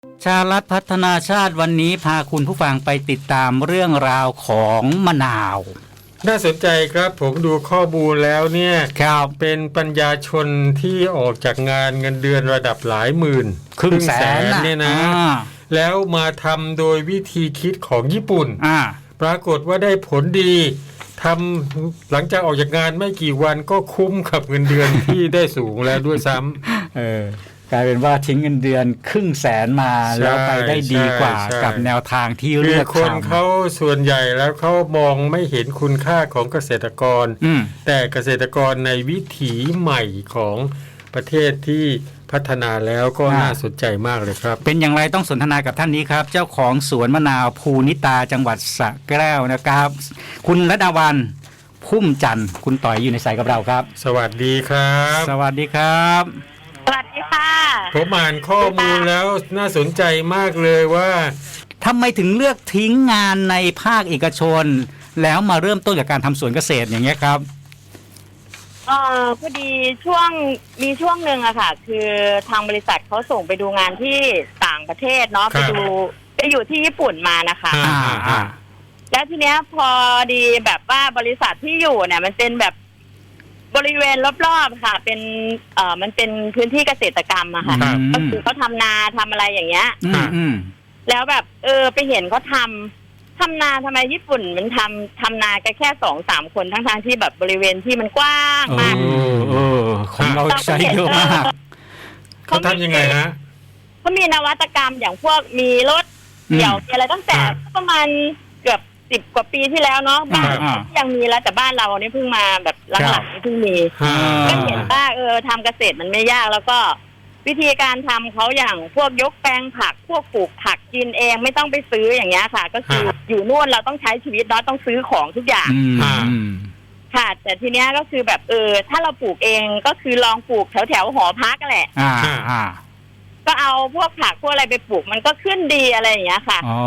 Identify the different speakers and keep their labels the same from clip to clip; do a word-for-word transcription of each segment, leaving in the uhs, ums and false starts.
Speaker 1: ชาลัดพัฒนาชาติวันนี้พาคุณผู้ฟังไปติดตามเรื่องราวของมะนาว
Speaker 2: น่าสนใจครับผมดูข้อมูลแล้วเนี่ย
Speaker 1: ครับ
Speaker 2: เป็นปัญญาชนที่ออกจากงานเงินเดือนระดับหลายหมื่น
Speaker 1: ครึ่งแสน
Speaker 2: เนี่ยนะแล้วมาทำโดยวิธีคิดของญี่ปุ่นปรากฏว่าได้ผลดีทำหลังจากออกจากงานไม่กี่วันก็คุ้มกับเงินเดือนที่ได้สูงแล้วด้วยซ้ำ
Speaker 1: เออกลายเป็นว่าทิ้งเงินเดือนครึ่งแสนมาแล้วไปได้ดีกว่ากับแนวทางที่เลือกทำ
Speaker 2: คนเขาส่วนใหญ่แล้วเขามองไม่เห็นคุณค่าของเกษตรกรแต่เกษตรกรในวิถีใหม่ของประเทศที่พัฒนาแล้วก็น่าสนใจมากเลยครับ
Speaker 1: เป็นอย่างไรต้องสนทนากับท่านนี้ครับเจ้าของสวนมะนาวภูนิตาจังหวัดสระแก้วนะครับคุณระดาวันพุ่มจันทร์คุณต่อยอยู่ในสายกับเราครับ
Speaker 2: สวัสดีครับ
Speaker 1: สวัสดีครับ
Speaker 3: สวัสดีค่ะ
Speaker 2: ผมอ่านข้อมูลแล้วน่าสนใจมากเลยว่า
Speaker 1: ทำไมถึงเลือกทิ้งงานในภาคเอกชนแล้วมาเริ่มต้นกับการทำสวนเกษตรอย่างเงี้ยครับ
Speaker 3: เออพอดีช่วงมีช่วงหนึ่งอะค่ะคือทางบริษัทเขาส่งไปดูงานที่ต่างประเทศเนาะไปดูไปอยู่ที่ญี่ปุ่นมานะคะแล้วทีเนี้ยพอดีแบบว่าบริษัทที่อยู่เนี่ยมันเป็นแบบบริเวณรอบๆค่ะเป็นเอ่อมันเป็นพื้นที่เกษตรกรรมอะค่ะก็คือเขาทำนาทำอะไรอย่างเงี้ยแล้วแบบเออไปเห็นเขาทำทำนาทำไมญี่ปุ่นมันทำทำนากันแค่สองสามคนทั้งทางที่แบบบริเวณที่มันกว้างมาก
Speaker 1: เออของเราใช้เยอะมาก
Speaker 2: เขาทำยังไงฮะ
Speaker 3: เขามีนวัตกรรมอย่างพวกมีรถเดี่ยวอะไรตั้งแต่ประมาณเกือบสิบกว่าปีที่แล้วเนาะบ้านยังมีแล้วแต่บ้านเราเนี่ยเพิ่งมาแบบหลังๆนี่เพิ่งมีก็เห็นว่าเออทำเกษตรมันไม่ยากแล้วก็วิธีการทำเขาอย่างพวกยกแปลงผักพวกปลูกผักกินเองไม่ต้องไปซื้ออย่างเงี้ยค่ะก็คืออยู่นู่นเราต้องใช้ชีวิตเนาะต้องซื้อของทุกอย่างค่ะแต่ทีเนี้ยก็คือแบบเออถ้าเราปลูกเองก็คือลองปลูกแถวแถวหอพักแหละก็เอาพวกผักพวกอะไรไปปลูกมันก็ขึ้นดีอะไรอย่างเงี้ยค่ะ
Speaker 1: อ๋อ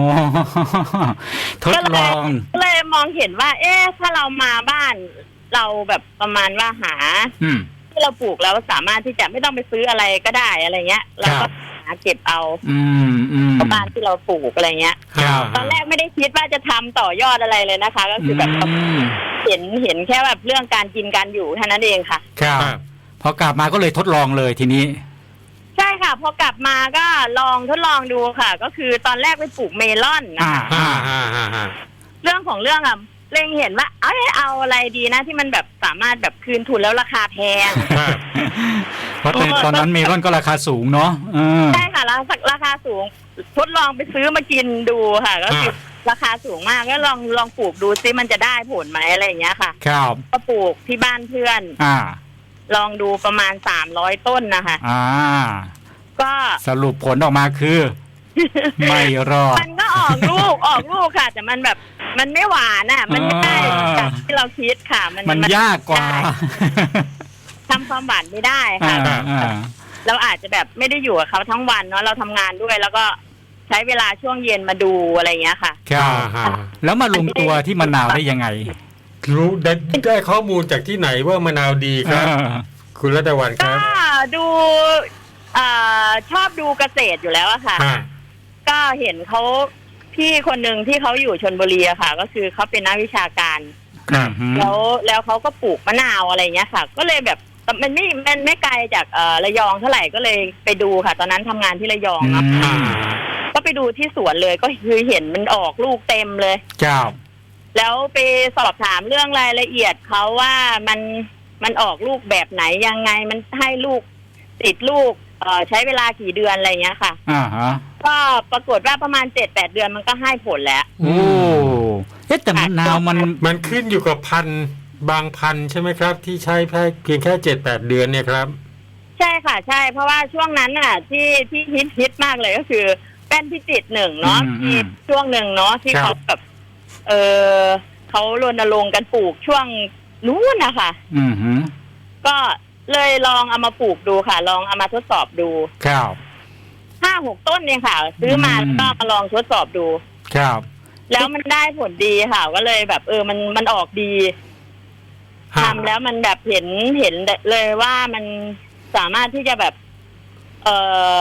Speaker 1: ทดลอง
Speaker 3: ก็เลยมองเห็นว่าเอ๊ะถ้าเรามาบ้านเราแบบประมาณว่าหาที่เราปลูกแล้วสามารถที่จะไม่ต้องไปซื้ออะไรก็ได้อะไรเงี้ยแล้วก็หาเก็บเอาบ้านที่เราปลูกอะไรเงี้ยตอนแรกไม่ได้คิดว่าจะทำต่อยอดอะไรเลยนะคะก็คือแบบเห็นเห็นแค่แบบเรื่องการกินการอยู่เท่านั้นเองค่ะ
Speaker 1: ครับพอกลับมาก็เลยทดลองเลยทีนี้
Speaker 3: ใช่ค่ะพอกลับมาก็ลองทดลองดูค่ะก็คือตอนแรกไปปลูกเมลอนนะคะเรื่องของเรื่องอ่ะเล็งเห็นว่าเอ้ยเอาอะไรดีนะที่มันแบบสามารถแบบคืนทุนแล้วราคาแพง
Speaker 1: เพราะตอนนั้นเมลอนก็ราคาสูงเนาะ
Speaker 3: ใช่ค่ะราคาราคาสูงทดลองไปซื้อมากินดูค่ะก็คือราคาสูงมากก็ลองลองปลูกดูซิมันจะได้ผลไหมอะไรอย่างเงี้ยค่ะ
Speaker 1: ครับ
Speaker 3: ก็ปลูกที่บ้านเพื่อน
Speaker 1: อ่า
Speaker 3: ลองดูประมาณสามร้อยต้นนะคะ
Speaker 1: อ่า
Speaker 3: ก็
Speaker 1: สรุปผลออกมาคือไม่รอด
Speaker 3: มันก็ออกลูกออกลูกค่ะแต่มันแบบมันไม่หวานอ่ะมันไม่ได้แบบที่เราคิดค่ะ
Speaker 1: มันมันยากกว่า
Speaker 3: ทำความหวานไม่ได้ค่ะเราอาจจะแบบไม่ได้อยู่กับเขาทั้งวันเนาะเราทำงานด้วยแล้วก็ใช้เวลาช่วงเย็นมาดูอะไรอย่างเงี้ยค่ะ
Speaker 1: ครับแล้วมาลงตัวที่มะนาวได้ยังไง
Speaker 2: รู้ได้ได้ข้อมูลจากที่ไหนว่ามะนาวดีครับคุณรัตวันครับ
Speaker 3: ก็ดูชอบดูเกษตรอยู่แล้วอะค่ะก็เห็นเขาพี่คนหนึ่งที่เขาอยู่ชลบุรีอะค่ะก็คือเขาเป็นนักวิชาการแล้วแล้วเขาก็ปลูกมะนาวอะไรเงี้ยค่ะก็เลยแบบมันไม่มันไม่ไกลจากระยองเท่าไหร่ก็เลยไปดูค่ะตอนนั้นทำงานที่ระยองเนาะก็ไปดูที่สวนเลยก็คือเห็นมันออกลูกเต็มเลย
Speaker 1: ครับ
Speaker 3: แล้วไปสอบถามเรื่องรายละเอียดเขาว่ามันมันออกลูกแบบไหนยังไงมันให้ลูกติดลูกเอ่อใช้เวลากี่เดือนอะไรเงี้ยค่ะ
Speaker 1: อ่าฮะ
Speaker 3: ก็ปรากฏว่าประมาณ เจ็ดแปด เดือนมันก็ให้ผลแล้ว
Speaker 1: โอ้เอ๊ะแต่มะนาวมัน
Speaker 2: มันขึ้นอยู่กับพันธุ์บางพันธุ์ใช่ไหมครับที่ใช้เพียงแค่ เจ็ดแปด เดือนเนี่ยครับ
Speaker 3: ใช่ค่ะใช่เพราะว่าช่วงนั้นน่ะที่ที่ฮิตฮิตมากเลยก็คือแป้นพิจิตรหนึ่งเนาะที่ช่วงหนึ่งเนาะที่เขาแบบเออเขารณรงค์กันปลูกช่วงนู้นนะคะ
Speaker 1: อือฮึ
Speaker 3: ก็เลยลองเอามาปลูกดูค่ะลองเอามาทดสอบดู
Speaker 1: ครับ
Speaker 3: ห้าหกต้นเนี่ยค่ะซื้อมาแล้วก็มาลองทดสอบดู
Speaker 1: ครับ
Speaker 3: แล้วมันได้ผลดีค่ะก็เลยแบบเออมันมันออกดีทำแล้วมันแบบเห็นเห็นเลยว่ามันสามารถที่จะแบบเอ่อ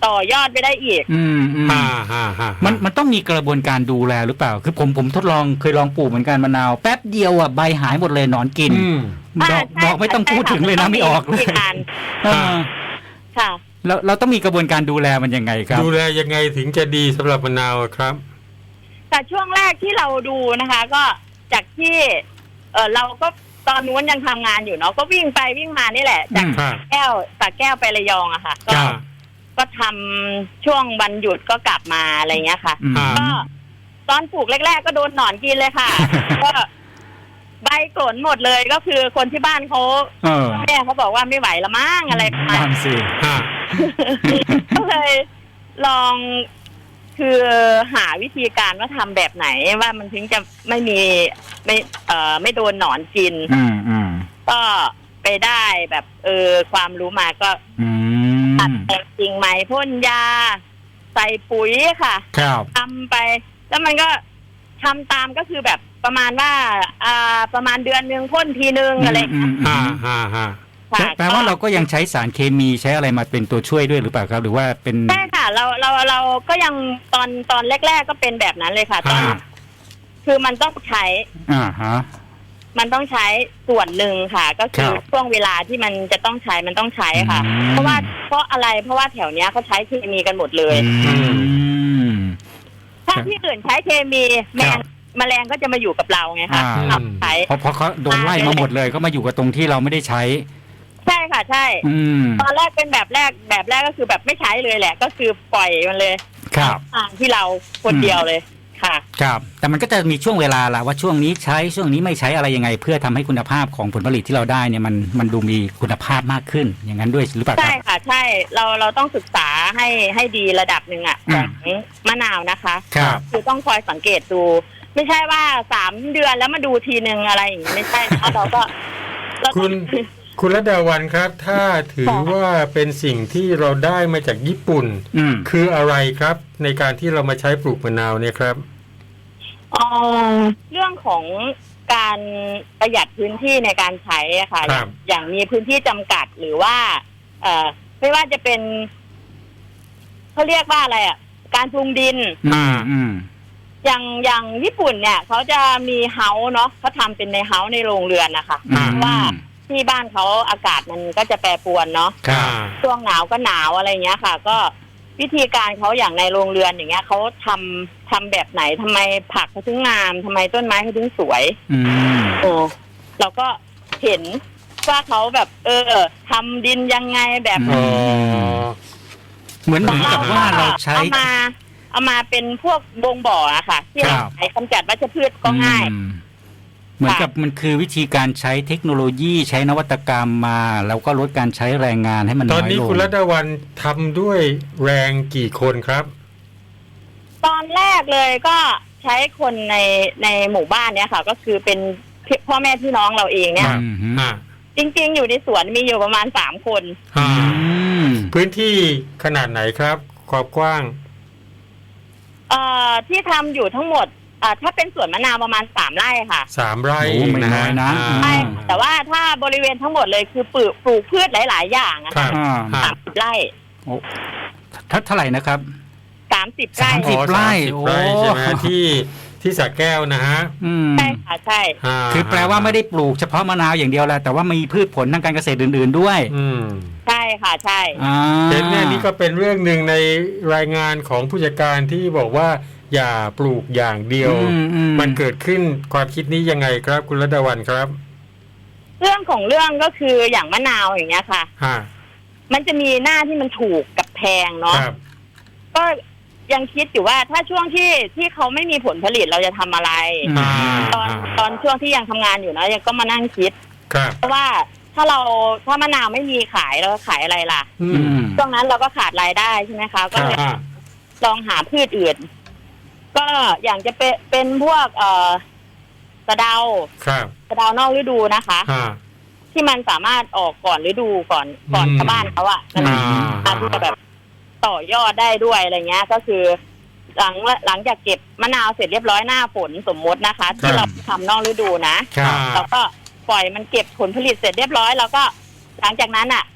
Speaker 3: ต่อยอดไปได้อีก
Speaker 1: อืมอืม
Speaker 2: ฮ่าฮ่าฮ่า
Speaker 1: มันมันต้องมีกระบวนการดูแลหรือเปล่า คือผมผมทดลองเคยลองปลูกเหมือนกันมะนาวแป๊บเดียวอ่ะใบหายหมดเลยหนอนกิน
Speaker 2: อืม
Speaker 1: ดอก
Speaker 3: อ่าใช่
Speaker 1: ดอกไม่ต้อง
Speaker 3: ใช่
Speaker 1: พูดถึงเลยนะ
Speaker 3: ค่ะ
Speaker 1: ไม่ออกเลย
Speaker 3: วิธีการ
Speaker 1: เออ
Speaker 3: ค่ะ
Speaker 1: แล้วเราต้องมีกระบวนการดูแลมันยังไงครับ
Speaker 2: ดูแลยังไงถึงจะดีสำหรับมะนาวครับ
Speaker 3: แต่ช่วงแรกที่เราดูนะคะ ก็จากที่เออเราก็ตอนนู้นยังทำงานอยู่เนาะก็วิ่งไปวิ่งมานี่แหละ จาก
Speaker 1: อืม
Speaker 3: แก้วจากแก้วไประยองอะค่ะก็
Speaker 2: จ้า
Speaker 3: ก็ทำช่วงวันหยุดก็กลับมาอะไรเงี้ยค่ะ
Speaker 1: อืม
Speaker 2: อ่า
Speaker 3: ก็ตอนปลูกแรก ๆ ก็โดนหนอนกินเลยค่ะ ก็ใบกลนหมดเลยก็คือคนที่บ้านเขา
Speaker 1: เออ
Speaker 3: แม่เขาบอกว่าไม่ไหวละมั้งอะไรประมาณ
Speaker 1: นั่นสิ
Speaker 2: ฮ่า
Speaker 3: ก็เลยลองคือหาวิธีการว่าทำแบบไหนว่ามันถึงจะไม่มีไม่เอ่อไม่โดนหนอนกิน
Speaker 1: อืมอืม
Speaker 3: ก็ไปได้แบบเออความรู้มาก็
Speaker 1: อื
Speaker 3: ตัด
Speaker 1: ม
Speaker 3: แต่งกิ่งใหม่พ่นยา ใส่ปุ๋ยค่ะ
Speaker 1: ครับ
Speaker 3: ทำไป แล้วมันก็ทำตามก็คือแบบประมาณว่าอ่าประมาณเดือนหนึ่งพ่นทีนึงอะไรอย่างเงี้ย
Speaker 1: อื
Speaker 2: ฮ่าม ฮ่าฮ่า
Speaker 1: แปลแปลว่าเราก็ยังใช้สารเคมีใช้อะไรมาเป็นตัวช่วยด้วยหรือเปล่าครับ หรือว่าเป็น
Speaker 3: ใช่ค่ะ เราเราเราก็ยังตอนตอนแรก ๆ ก็เป็นแบบนั้นเลยค่ะตอน
Speaker 2: ฮ่า
Speaker 3: คือมันต้องใช้
Speaker 1: อ่าฮะ
Speaker 3: มันต้องใช้ส่วนหนึ่งค่ะ ก็คือ
Speaker 1: ครับ
Speaker 3: ช่วงเวลาที่มันจะต้องใช้มันต้องใช้ค่ะ
Speaker 1: อืม
Speaker 3: เพราะว่าเพราะอะไรเพราะว่าแถวเนี้ยเขาใช้เคมีกันหมดเลย
Speaker 1: อืม
Speaker 3: ถ้าที่อื่นใช้เคมีแม
Speaker 1: ครั
Speaker 3: ง
Speaker 1: บ
Speaker 3: แมลงก็จะมาอยู่กับเราไงคะ
Speaker 1: อ่า
Speaker 3: เราใช้
Speaker 1: เพราะเพราะเขาโดนไล่มาหมดเลยก็มาอยู่กับตรงที่เราไม่ได้ใช้
Speaker 3: ใช่ค่ะใช่
Speaker 1: อืม
Speaker 3: ตอนแรกเป็นแบบแรกแบบแรกก็คือแบบไม่ใช้เลยแหละ ก็คือปล่อยมันเลย
Speaker 1: ครับ
Speaker 3: ทางที่เราคนเดียวเลยค่ะ
Speaker 1: ครับ แต่มันก็จะมีช่วงเวลาละว่าช่วงนี้ใช้ช่วงนี้ไม่ใช้อะไรยังไง เพื่อทำให้คุณภาพของผลผลิตที่เราได้เนี่ยมันมันดูมีคุณภาพมากขึ้น อย่างนั้นด้วยหรือเปล่าค
Speaker 3: ใช่
Speaker 1: รับ
Speaker 3: ค่ะใช่เราเราต้องศึกษาให้ให้ดีระดับหนึ่งอ่ะ
Speaker 1: อื
Speaker 3: ข
Speaker 1: ม
Speaker 3: องมะนาวนะคะ
Speaker 1: ครับ
Speaker 3: คือต้องคอยสังเกตดู ไม่ใช่ว่าสามเดือนแล้วมาดูทีนึงอะไรอย่างนี้ไม่ใช่นะเราก็เราก็
Speaker 2: คุณคุณรัตดาวันครับ ถ้าถือ
Speaker 3: ค่ะ
Speaker 2: ว่าเป็นสิ่งที่เราได้มาจากญี่ปุ่น
Speaker 1: อืม
Speaker 2: คืออะไรครับในการที่เรามาใช้ปลูกมะนาวเนี่ยครับ
Speaker 3: เอ่อเรื่องของการประหยัดพื้นที่ในการใช้อะค่ะ
Speaker 2: ครับ
Speaker 3: อย่างมีพื้นที่จำกัดหรือว่า เอ่อไม่ว่าจะเป็นเขาเรียกว่าอะไรอ่ะ การปรุงดิน
Speaker 1: อืมอืม
Speaker 3: อย่างอย่างญี่ปุ่นเนี่ยเขาจะมีเฮาส์เนาะเขาทำเป็นในเฮาส์ในโรงเรือนนะคะ
Speaker 1: อืม
Speaker 3: เพราะว่าที่บ้านเขาอากาศมันก็จะแปรปรวนเนาะ
Speaker 1: ครับ
Speaker 3: ช่วงหนาวก็หนาวอะไรเงี้ยค่ะ ก็วิธีการเขาอย่างในโรงเรือนอย่างเงี้ยเขาทำทำแบบไหนทำไมผักเขาถึงงามทำไมต้นไม้เขาถึงสวย
Speaker 1: อืม
Speaker 3: โอ้เราก็เห็นว่าเขาแบบ เออทำดินยังไงแบบ
Speaker 2: อ๋อ
Speaker 1: เหมือนเหมือนกับว่าเราใช้
Speaker 3: เอามา เอามาเป็นพวกบงบ่ออะค่ะ ที่เรา
Speaker 1: ครับ
Speaker 3: ใช้กำจัดวัชพืชก็ง่าย
Speaker 1: อืมเหมือนกับมันคือวิธีการใช้เทคโนโลยีใช้นวัตกรรมมา แล้วก็ลดการใช้แรงงานให้มัน
Speaker 2: ต
Speaker 1: น้
Speaker 2: อ
Speaker 1: อน ย
Speaker 2: นี้
Speaker 1: ลง
Speaker 2: คุณรัตดาวันทำด้วยแรงกี่คนครับ
Speaker 3: ตอนแรกเลยก็ใช้คนในในหมู่บ้านเนี้ยค่ะ ก็คือเป็นพี่พ่อแม่พี่น้องเราเองเนี่ย
Speaker 2: ครับ
Speaker 1: อืมฮึ
Speaker 2: อ่า
Speaker 3: จริงๆ อยู่ในสวนมีอยู่ประมาณสามคน
Speaker 2: อ่า
Speaker 1: อืม
Speaker 2: พื้นที่ขนาดไหนครับความกว้าง
Speaker 3: เอ่อที่ทำอยู่ทั้งหมดอ่าถ้าเป็นสวนมะนาวประมาณสามไร่ค่ะ
Speaker 2: สามไร่
Speaker 1: โอ้
Speaker 2: เอง
Speaker 1: ไม่
Speaker 2: นะ
Speaker 1: น้อยนะ
Speaker 2: อ่า
Speaker 3: ใช่แต่ว่าถ้าบริเวณทั้งหมดเลยคือปลูกปลูกพืชหลาย ๆ อย่างอะ
Speaker 2: ครั
Speaker 3: ค่ะ
Speaker 2: บ
Speaker 1: อ่า
Speaker 2: อ่า
Speaker 3: สามสิบไร่
Speaker 1: โอ้ถ้าเท่าไหร่นะครับ
Speaker 3: สามสิบไร่
Speaker 1: สามสิบ ไร่
Speaker 2: อ๋อสามสิบไร่
Speaker 1: โอ้
Speaker 2: ใช่ไหมที่ที่สระแก้วนะฮะ
Speaker 1: อืม
Speaker 3: ใช่ค่ะใช่
Speaker 2: า
Speaker 1: คือแปลว่าไม่ได้ปลูกเฉพาะมะนาวอย่างเดียวแหละแต่ว่ามีพืชผลทางการเกษตรอื่น ๆด้วย
Speaker 2: อืม
Speaker 3: ใช่ค่ะใช่
Speaker 1: อ่า
Speaker 2: เห็นแน่นี่ก็เป็นเรื่องหนึ่งในรายงานของผู้จัดการที่บอกว่า อย่าปลูกอย่างเดียว
Speaker 1: อือื
Speaker 2: มันเกิดขึ้นความคิดนี้ยังไงครับ คุณรัตดาวันครับ
Speaker 3: เรื่องของเรื่องก็คืออย่างมะนาวอย่างเงี้ยค่ะ
Speaker 2: ฮะ
Speaker 3: มันจะมีหน้าที่มันถูกกับแพงเนาะ
Speaker 2: ครับ
Speaker 3: ก็ยังคิดอยู่ว่าถ้าช่วงที่ที่เขาไม่มีผลผลิตเราจะทำอะไร
Speaker 1: อืม
Speaker 2: อ่า
Speaker 3: ตอนตอนช่วงที่ยังทำงานอยู่นะยังก็มานั่งคิด
Speaker 2: ครับ
Speaker 3: เพราะว่าถ้าเราถ้ามะนาวไม่มีขายเราขายอะไรล่ะ
Speaker 2: อื
Speaker 1: อื
Speaker 2: ม
Speaker 1: ม
Speaker 3: ช่วงนั้นเราก็ขาดรายได้ใช่ไหมคะก็เลย
Speaker 2: อ่า
Speaker 3: ลองหาพืชอื่น ก็อย่างจะเป็นเป็นพวกเอ่อสะเดา
Speaker 2: ครับ
Speaker 3: สะเดานอกฤดูนะคะ
Speaker 2: อ่า
Speaker 3: ที่มันสามารถออกก่อนฤดูก่อนก่อน
Speaker 2: อืม
Speaker 3: ชาวบ้านเขาอะนั่นแหละ
Speaker 2: อ่า
Speaker 3: อาจจะแบบต่อยอดได้ด้วยอะไรเงี้ย ก็คือ หลังหลังจากเก็บมะนาวเสร็จเรียบร้อยหน้าฝนสมมตินะคะ ที่เราทำนอกฤดูนะครับ แล้วก็ปล่อยมันเก็บผลผลิตเสร็จเรียบร้อยแล้วก็หลังจากนั้นอะ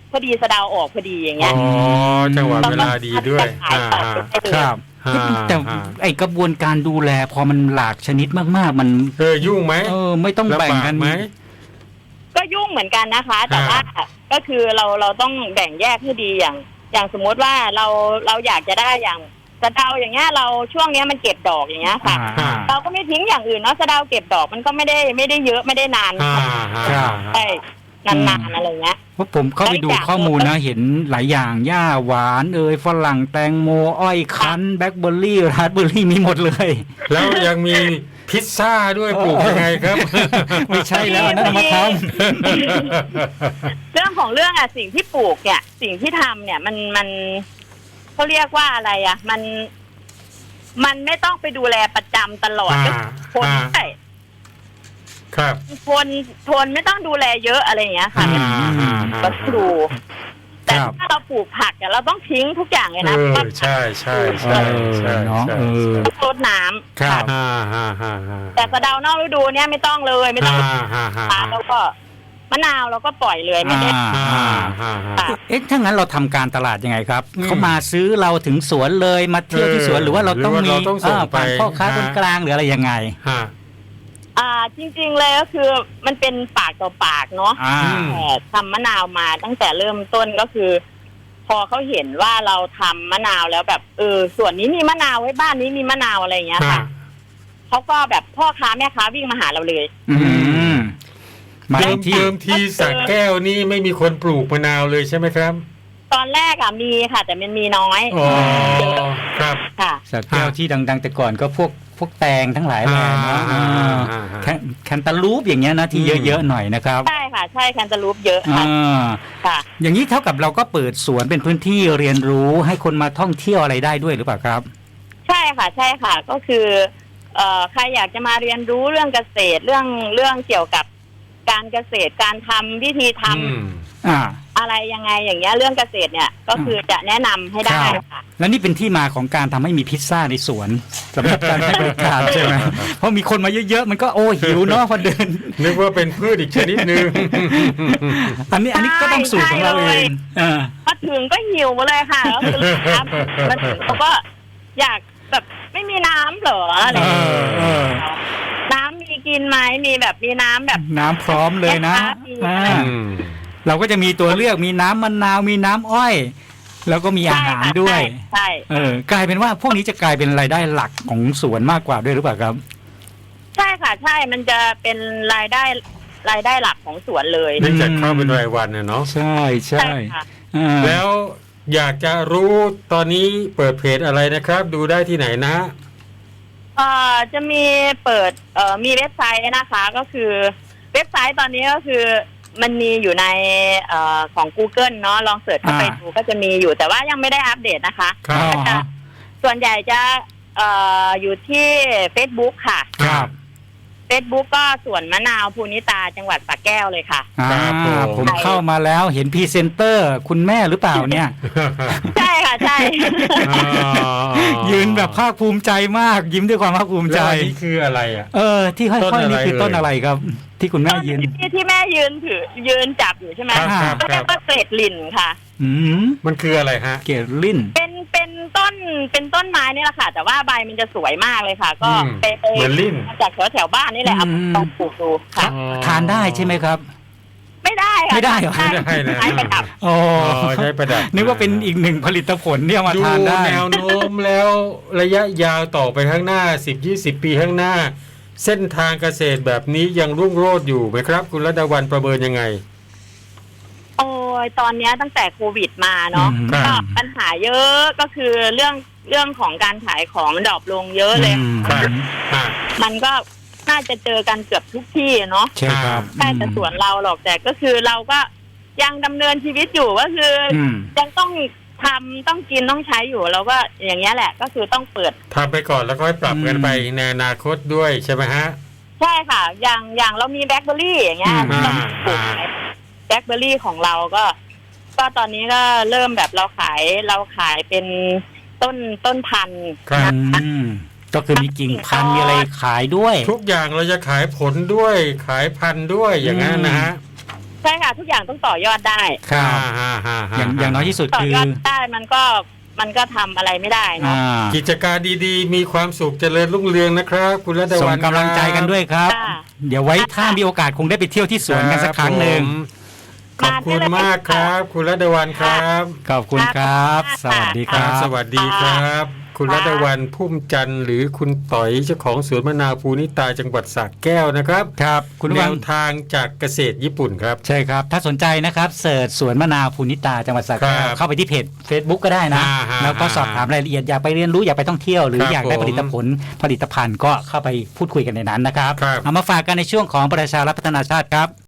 Speaker 3: พอดีสะเดาออกพอดีอย่างเงี้ย
Speaker 2: อ๋อจังหวะเวลาดีด้วย
Speaker 3: ขายต่อไปเลย
Speaker 1: ครับ
Speaker 2: อ่า
Speaker 1: แต่
Speaker 2: อ่า
Speaker 1: ไอกระบวนการดูแลพอมันหลากชนิดมากๆ มัน
Speaker 2: เออยุ่งไหม
Speaker 1: เออไม่ต้องแบ่งกัน
Speaker 2: ลำบากไหม
Speaker 3: ก็ยุ่งเหมือนกันนะคะ แต่
Speaker 2: อ่า
Speaker 3: ว่าก็คือเราเราต้องแบ่งแยกให้ดีอย่าง อย่างสมมติว่าเราเราอยากจะได้อย่างสะเดาอย่างเงี้ยเราช่วงเนี้ยมันเก็บดอกอย่างเงี้ยค่ะ
Speaker 1: อ่า
Speaker 3: เราก็ไม่ทิ้งอย่างอื่นเนาะสะเดาเก็บดอกมันก็ไม่ได้ไม่ได้เยอะไม่ได้นาน
Speaker 2: อ่า
Speaker 1: ครับ
Speaker 3: ใช่นานๆอะไรเงี้ย
Speaker 1: เพราะผมเข้าไปดูข้อมูลนะเห็นหลายอย่างหญ้าหวานเอยฝรั่งแตงโมอ้อยคั้นแบล็คเบอร์รี่ราสเบอร์รี่มีหมดเลย
Speaker 2: แล้วยังมีพิซซ่าด้วยปลูกยังไงครับ
Speaker 1: ไม่ใช่แล้วอันนั่นเอามาท
Speaker 3: เรื่องของเรื่องอะสิ่งที่ปลูกเนี่ยสิ่งที่ทำเนี่ยมันมันเขาเรียกว่าอะไรอะมัน มันไม่ต้องไปดูแลประจำตลอด
Speaker 2: อ่า
Speaker 3: คน
Speaker 2: อ่า
Speaker 3: ใช่
Speaker 2: ครับ
Speaker 3: คนทนไม่ต้องดูแลเยอะอะไรอย่างเงี้ยค่ะ
Speaker 2: อ่าอ่า
Speaker 3: ก็ดู แต่ถ้าเราปลูกผักเนี่ยเราต้องทิ้งทุกอย่างเลย
Speaker 2: เอ
Speaker 3: นะ
Speaker 2: อใช่ใช่
Speaker 1: ำ
Speaker 2: ใช่
Speaker 1: เออ
Speaker 2: ใช่
Speaker 1: เนาะ
Speaker 2: ใช่
Speaker 1: เออ
Speaker 3: ต้องรดน้ำ
Speaker 1: ครับ
Speaker 2: อ่าอ่าอ่าอ่า
Speaker 3: แต่สะเดานอกฤดูเนี่ยไม่ต้องเลยไม่ต้อง
Speaker 2: อ่าอ่าอ่า
Speaker 3: ปาแล้วก็มะนาวเราก็ปล่อยเลยไม่ได้
Speaker 1: อ่า
Speaker 2: อ่าอ่าอ่า
Speaker 3: ค่ะ
Speaker 1: เอ๊ะถ้างั้นเราทำการตลาดยังไงครับ
Speaker 2: อืม
Speaker 1: เขามาซื้อเราถึงสวนเลยมาเที่ยวที่สวน
Speaker 2: เออ
Speaker 1: หรือว่าเราต้อง
Speaker 2: หรือว่า
Speaker 1: มี
Speaker 2: เราต้องส่ง
Speaker 1: เออผ่าน
Speaker 2: ไป
Speaker 1: พ่อค้า
Speaker 2: ฮะ
Speaker 1: คนกลางหรืออะไรยังไง
Speaker 2: ฮะ
Speaker 3: อ่าจริง ๆ เลยก็คือมันเป็นปากต่อปากเนาะ
Speaker 1: อ่า
Speaker 3: แต่ทำมะนาวมาตั้งแต่เริ่มต้นก็คือ พอเขาเห็นว่าเราทำมะนาวแล้วแบบเออส่วนนี้มีมะนาวไว้บ้านนี้มีมะนาวอะไรอย่างเงี้ยค่ะเขาก็แบบพ่อค้าแม่ค้าวิ่งมาหาเราเลย
Speaker 1: อืมมา
Speaker 2: เดิม
Speaker 1: ที่
Speaker 2: เดิมทีสระแก้วนี่ไม่มีคนปลูกมะนาวเลยใช่ไหมครับ
Speaker 3: ตอนแรกอะมีค่ะ แต่มันมีน้อย
Speaker 2: อ๋อครับ
Speaker 3: ค่ะ
Speaker 1: สัตว์แก้วที่ดังๆแต่ก่อนก็พวกพวกแตงทั้งหลายแหละนะ
Speaker 2: อ่า
Speaker 1: อ่า
Speaker 2: อ่าอ่า
Speaker 1: แคนแคนตาลูปอย่างเงี้ยนะที่
Speaker 2: อืม
Speaker 1: เยอะๆหน่อยนะครับ
Speaker 3: ใช่ค่ะ ใช่แคนตาลูปเยอะ
Speaker 1: อ่
Speaker 3: ค่ะ
Speaker 1: า
Speaker 3: ค่ะ
Speaker 1: อย่างนี้เท่ากับเราก็เปิดสวนเป็นพื้นที่เรียนรู้ให้คนมาท่องเที่ยวอะไรได้ด้วยหรือเปล่าครับ
Speaker 3: ใช่ค่ะ ใช่ค่ะ ก็คือเอ่อใครอยากจะมาเรียนรู้เรื่องเกษตรเรื่องเรื่องเกี่ยวกับการเกษตรการทำวิธีทำ
Speaker 2: อืม
Speaker 1: อ่า
Speaker 3: อะไรยังไงอย่างเงี้ยเรื่องเกษตรเนี่ยก็คือจะแนะนำให้ได้
Speaker 1: ครับ
Speaker 3: ค่ะ
Speaker 1: แล้วนี่เป็นที่มาของการทำให้มีพิซซ่าในสวนสำหรับการให้บริการใช่ไหมเพราะมีคนมาเยอะๆมันก็โอ้หิวเนาะพอเดิน
Speaker 2: นึกว่าเป็นพืชอีกชนิดหนึ่ง
Speaker 1: อันนี้อันนี้ก็ต้องสูตรของเราเองอ่า
Speaker 3: มาถึงก็หิวเลยค่ะแล้วคือลูกค้ามาถึงเขาก็อยากแบบไม่มีน้ำเหรออะไรอย่างเงี้ย
Speaker 1: เออเออ
Speaker 3: น้ำมีกินไหมมีแบบมีน้ำแบบ
Speaker 1: น้ำพร้อมเลยนะอ่า
Speaker 2: อืม
Speaker 1: เราก็จะมีตัวเลือกมีน้ำมะนาวมีน้ำอ้อย แล้วก็มีอาหารด้วย
Speaker 3: ใช่
Speaker 1: เออกลายเป็นว่าพวกนี้จะกลายเป็นรายได้หลักของสวนมากกว่าด้วยหรือเปล่าครับ
Speaker 3: ใช่ค่ะ ใช่มันจะเป็นรายได้รายได้หลักของสวนเลย
Speaker 2: เนื่องจากเข้าเป็นรายวันน่ะเนาะ
Speaker 1: ใช่ใช่
Speaker 3: ค่ะ
Speaker 1: อ่า
Speaker 2: แล้วอยากจะรู้ตอนนี้เปิดเพจอะไรนะครับ ดูได้ที่ไหนนะ
Speaker 3: เอ่อจะมีเปิดเอ่อมีเว็บไซต์นะคะ ก็คือเว็บไซต์ตอนนี้ก็คือมันมีอยู่ในเอ่อของ Google เนาะลองเสิร์ชเข้าไปดูก็จะมีอยู่แต่ว่ายังไม่ได้อัปเดตนะคะ
Speaker 2: ครับ
Speaker 1: อ๋อฮะ
Speaker 3: ส่วนใหญ่จะเอ่ออยู่ที่ Facebook ค่ะ
Speaker 1: ครับ
Speaker 3: Facebook ก็สวนมะนาวภูนิตาจังหวัดสระแก้วเลยค่ะ
Speaker 1: อ่า
Speaker 2: ครับผม
Speaker 1: ผมเข้ามาแล้วเห็นพรีเซนเตอร์คุณแม่หรือเปล่าเนี่ย
Speaker 3: ใช่ค่ะใช่
Speaker 2: อ๋อ
Speaker 1: ยืนแบบภาคภูมิใจมาก ยิ้มด้วยความภาคภูมิใจ
Speaker 2: แล้วอันนี้คืออะไรอ่ะ
Speaker 1: เออ ที่ห้อยๆนี่คือ
Speaker 2: ต้
Speaker 1: ต้น
Speaker 2: น
Speaker 1: อะ
Speaker 2: อะไร ไร
Speaker 1: ครับ ที่คุณแม่ยืน
Speaker 3: ที่ที่แม่ยืนถือยืนจับอยู่ใช่ไหม
Speaker 2: ครับครับ
Speaker 3: ก็เรียกว่าเกรดลินค่ะ
Speaker 1: อืม
Speaker 2: มันคืออะไรฮะ
Speaker 1: เกลลิน
Speaker 3: เป็นเป็นต้นเป็นต้นไม้นี่แหละค่ะ แต่ว่าใบมันจะสวยมากเลยค่ะ ก็
Speaker 2: อืม
Speaker 3: ไปไป
Speaker 2: เหมือนลิ้น
Speaker 3: มาจากแถวแถวบ้านนี่แหละเอาลองปลูกดูค่ะ
Speaker 2: อ๋อ
Speaker 1: ทานได้ใช่ไหมครับ
Speaker 3: ไม่ได้ค่ะ
Speaker 1: ไม่ได้เหรอ
Speaker 2: ไม่ได้นะ
Speaker 3: ใช้ประดับ
Speaker 1: อ๋อ
Speaker 2: อ๋อใช้ประดับ
Speaker 1: นึกว่าเป็นอีกหนึ่งผลิตผลที่เอามา
Speaker 2: ดู
Speaker 1: ทานได้
Speaker 2: แนวโน้มแล้วระยะยาวต่อไปข้างหน้า สิบ ยี่สิบ ปีข้างหน้า เส้นทางเกษตรแบบนี้ยังรุ่งโรจน์อยู่ไหมครับ คุณรัตดาวันประเมินยังไง
Speaker 3: โอ้ยตอนเนี้ยตั้งแต่โควิดมาเนาะ
Speaker 1: อืม
Speaker 3: ก็ปัญหาเยอะก็คือเรื่องเรื่องของการขายของดรอปลงเยอะเลย
Speaker 1: อืม
Speaker 2: ครับ อ่า
Speaker 3: มันก็น่าจะเจอกันเกือบทุกที่เนาะ
Speaker 1: ใช่ครับ
Speaker 3: ใช่แต่สวนเราหรอกแต่ก็คือเราก็ยังดำเนินชีวิตอยู่ก็คืออ
Speaker 1: อืม
Speaker 3: ยังต้องทำต้องกินต้องใช้อยู่แล้วก็อย่างเงี้ยแหละก็คือต้องเปิด
Speaker 2: ทำไปก่อนแล้วค่อยปรับกันไปในอนาคตด้วยใช่ไหมฮะ
Speaker 3: ใช่ค่ะ อย่างอย่างเรามีแบล็คเบอร์รี่อย่างเงี้ย
Speaker 1: อืม
Speaker 3: เราปลูกแบล็คเบอร์รี่ของเราก็ ก็ตอนนี้ก็เริ่มแบบเราขายเราขายเป็นต้นต้นพันธุ์
Speaker 2: ครับ
Speaker 3: นะ
Speaker 1: อืมก็คือมีกิ่งพันธุ์มีอะไรขายด้วย
Speaker 2: ทุกอย่างเราจะขายผลด้วยขายพันธุ์ด้วยอย่างนั้นนะฮะ
Speaker 3: ใช่ค่ะทุกอย่างต้องต่อยอดได้
Speaker 1: ครับ
Speaker 2: ฮ่าฮ่าฮ่า
Speaker 1: อย่างอย่างน้อยที่สุด
Speaker 3: ต่อ
Speaker 1: คือย
Speaker 3: อดได้มันก็มันก็ทำอะไรไม่ได้เนาะ
Speaker 1: อ่า
Speaker 2: กิจการดีๆ มีความสุขเจริญรุ่งเรืองนะครับ คุณรัต
Speaker 1: ส่
Speaker 2: วั
Speaker 1: ง
Speaker 2: น
Speaker 1: กำลังใจกันด้วยครับ
Speaker 3: ค่ะ
Speaker 1: เดี๋ยวไว้ถ้ามีโอกาสคงได้ไปเที่ยวที่สวนกันสักครั้งหนึ่ง
Speaker 2: ขอบคุณมากครับ คุณรัตวันครับ
Speaker 1: ขอบคุณครับ สวัสดี
Speaker 2: ค
Speaker 1: ค
Speaker 2: รั
Speaker 1: รั
Speaker 2: บบ สวัสดีครับ คุณรัตวันพุ่มจันทร์หรือคุณต่อยเจ้าของสวนมะนาวภูนิตาจังหวัดสระแก้วนะครับ
Speaker 1: ครับ คุณ
Speaker 2: แน
Speaker 1: วัง
Speaker 2: วทางจากเกษตรญี่ปุ่นครับ
Speaker 1: ใช่ครับ ถ้าสนใจนะครับเสิร์ชสวนมะนาวภูนิตาจังหวัดสระแก้
Speaker 2: คว รับ
Speaker 1: เข้าไปที่เพจ Facebook ก็ได้นะ
Speaker 2: อ่าฮะ
Speaker 1: แล้วก็สอบถามรายละเอียดอยากไปเรียนรู้อยากไปท่องเที่ยวหรือ
Speaker 2: ครับ
Speaker 1: อยากได้
Speaker 2: ผม
Speaker 1: ผลิตผลผลิตภัณฑ์ก็เข้าไปพูดคุยกันในนั้นนะครับ
Speaker 2: ครับ
Speaker 1: เอามาฝากกันในช่วงของประชารัฐพัฒนาชาติครับ